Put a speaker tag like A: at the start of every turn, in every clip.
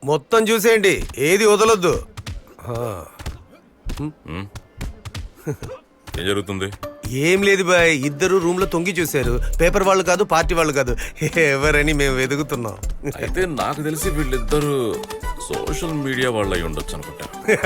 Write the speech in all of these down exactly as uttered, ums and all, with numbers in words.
A: మొత్తం చూసేయండి, ఏది వదలొద్దు.
B: ఏం జరుగుతుంది?
A: ఏం లేదు బాయ్, ఇద్దరు రూమ్ లో తొంగి చూశారు. పేపర్ వాళ్ళు కాదు, పార్టీ వాళ్ళు కాదు, ఎవరని మేము వెతుకుతున్నాం.
B: అయితే నాకు తెలిసి వీళ్ళిద్దరు సోషల్ మీడియా వాళ్ళు అయి ఉండొచ్చు అనుకుంటా.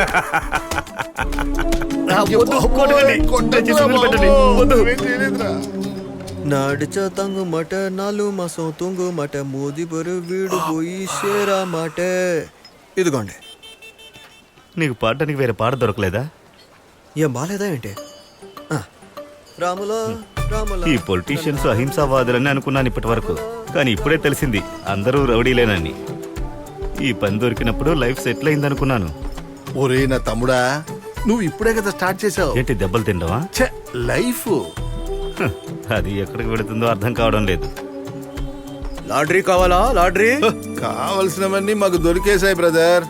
C: నడిచ తంగు మట నాలు మాసం తుంగు మట మోది బరు వీడు పోయి షేరా మాట. ఇదిగోండి.
D: నీకు పాడడానికి వేరే పాట దొరకలేదా?
C: ఏం బాలేదా ఏంటి? రాములా రాములా.
D: ఈ పొలిటీషియన్స్ అహింసావాదులని అనుకున్నాను ఇప్పటి వరకు, కానీ ఇప్పుడే తెలిసింది అందరూ రౌడీలేనని. ఈ పని దొరికినప్పుడు లైఫ్ సెటిల్ అయింది అనుకున్నాను.
E: ఒరే నా తమ్ముడా, నువ్వు ఇప్పుడే కదా స్టార్ట్ చేసావు.
D: ఏంటి దెబ్బలు తిండవా?
E: లైఫ్
D: అది ఎక్కడికి వెళుతుందో అర్థం కావడం లేదు.
A: లాటరీ కావాలా? లాటరీ
E: కావలసినవన్నీ మాకు దొరికేశాయి బ్రదర్.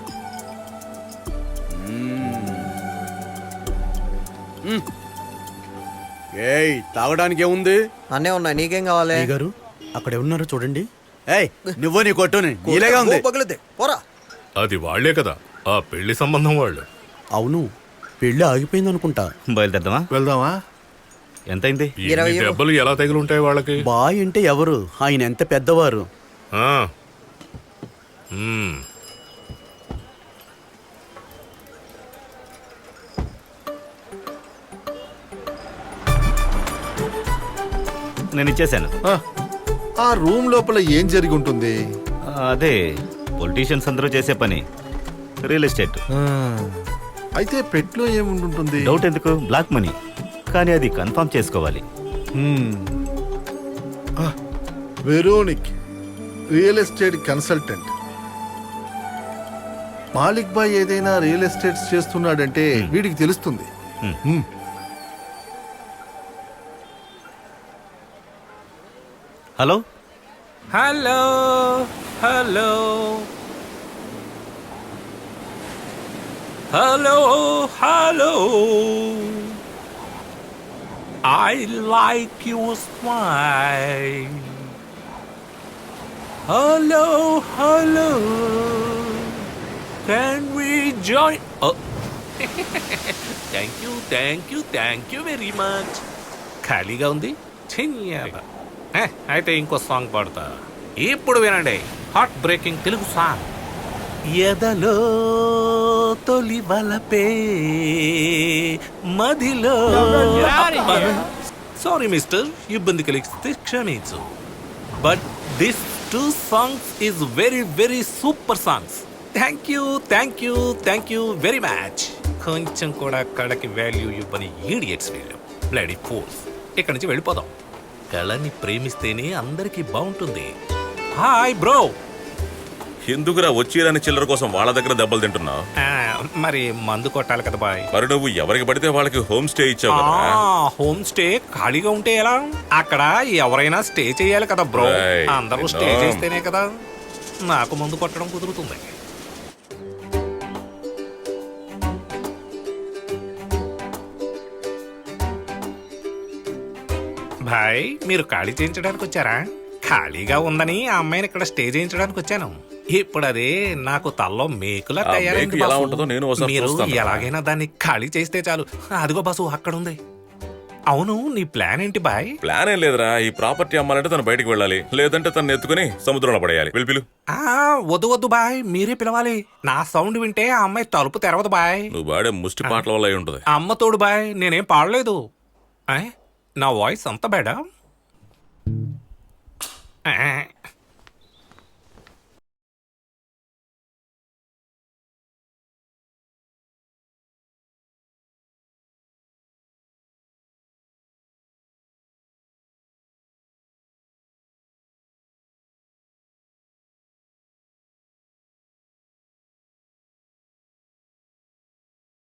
A: ఏయ్, తాగడానికి ఏముంది?
C: అన్నే ఉన్నాయి, నీకేం కావాలి?
A: గారు అక్కడ ఉన్నారు చూడండి. ఏయ్, నువ్వు నీ కొట్టుని ఇలాగా ఉంది.
C: పగిలితే పోరా.
B: అది వాళ్లే కదా, ఆ పెళ్లి సంబంధం వాళ్ళు.
A: అవును, పెళ్లి ఆగిపోయింది అనుకుంటా.
D: బయలుదేరదామా?
E: వెళ్దామా?
D: ఎంతైంది?
C: ఇరవై
B: ఎన్ని దెబ్బలు ఎలా తగిలుంటాయి వాళ్ళకి?
A: బాయ్ అంటే ఎవరు? ఆయన ఎంత పెద్దవారు.
B: ఆ. మ్మ్.
D: నేను ఇచ్చేసాను.
E: ఆ, ఆ రూమ్ లోపల ఏం జరిగి ఉంటుంది?
D: అదే పొలిటీషియన్స్ అందరూ చేసే పని, రియల్ ఎస్టేట్.
E: అయితే పెట్లో ఏముంటుంది?
D: డౌట్ ఎందుకు? బ్లాక్ మనీ, కానీ అది కన్ఫర్మ్ చేసుకోవాలి.
E: Veronique, real estate consultant. Malik boy ఏదైనా రియల్ ఎస్టేట్స్ చేస్తున్నాడంటే వీడికి తెలుస్తుంది. Hmm.
D: Hello
F: hello hello hello hello I like your smile. Hello, hello. Can we join? Oh. Thank you, thank you, thank you very much. ఖాళీగా ఉంది చిన్న. అయితే ఇంకో song పాడతా. ఇప్పుడు వినండి, హార్ట్ బ్రేకింగ్ తెలుగు సాంగ్. ఎదలో తొలి వలపే మదిలో. సారీ మిస్టర్, ఇబ్బంది కలిగిస్తే క్షమించు. But this two songs is very very super songs. Thank you thank you thank you very much. కొంచెం కూడా కళకి వాల్యూ ఇవ్వని ఈడియట్స్ వీళ్ళు. Bloody force. ఇక్కడి నుంచి వెళ్ళిపోదాం. కళని ప్రేమిస్తేనే అందరికీ బాగుంటుంది. Hi bro.
B: ఎందుకురా వచ్చిరాని చిల్లర కోసం వాళ్ళ దగ్గర దెబ్బలు తింటున్నావు?
F: మరి మందు కొట్టాలి కదా బాయ్.
B: మరి నువ్వు ఎవరికి పడితే వాళ్ళకి హోమ్ స్టే ఇచ్చావు కదా.
F: హోమ్ స్టే ఖాళీగా ఉంటే ఎలా? అక్కడ ఎవరైనా స్టే చేయాలి కదా బ్రో.
B: Right.
F: అందరూ స్టే
B: No.
F: చేస్తేనే కదా నాకు మందు కొట్టడం కుదురుతుంది. భాయ్, మీరు ఖాళీ చేయించడానికి వచ్చారా? ఖాళీగా ఉందని ఆ అమ్మాయిని ఇక్కడ స్టే చేయించడానికి వచ్చాను. ఇప్పుడు అదే నాకు తల్లో మేకులా
B: ఆ
F: తయారైంది
B: మేకు ఎలా
F: బాసు.
B: ఉంటుందో నేను ఒకసారి
F: మీరు
B: చూస్తాను.
F: ఎలాగైనా దాన్ని ఖాళీ చేస్తే చాలు. అదిగో బాసు అక్కడ ఉంది. అవును, నీ ప్లాన్ ఏంటి బాయ్?
B: ప్లాన్ ఏం లేదురా, ఈ ప్రాపర్టీ అమ్మాలంటే తను బయటికి వెళ్ళాలి, లేదంటే తను ఎత్తుకుని సముద్రంలో పడేయాలి. పిలు
F: ఆ వద్దు వద్దు బాయ్, మీరే పిలవాలి. నా సౌండ్ వింటే ఆ అమ్మాయి తలుపు తెరవదు బాయ్.
B: నువ్వు పాడే ముష్టి పాటల వల్ల అయి ఉంటుంది.
F: అమ్మ తోడు బాయ్, నేనేం పాడలేదు. నా వాయిస్ అంత బేడా?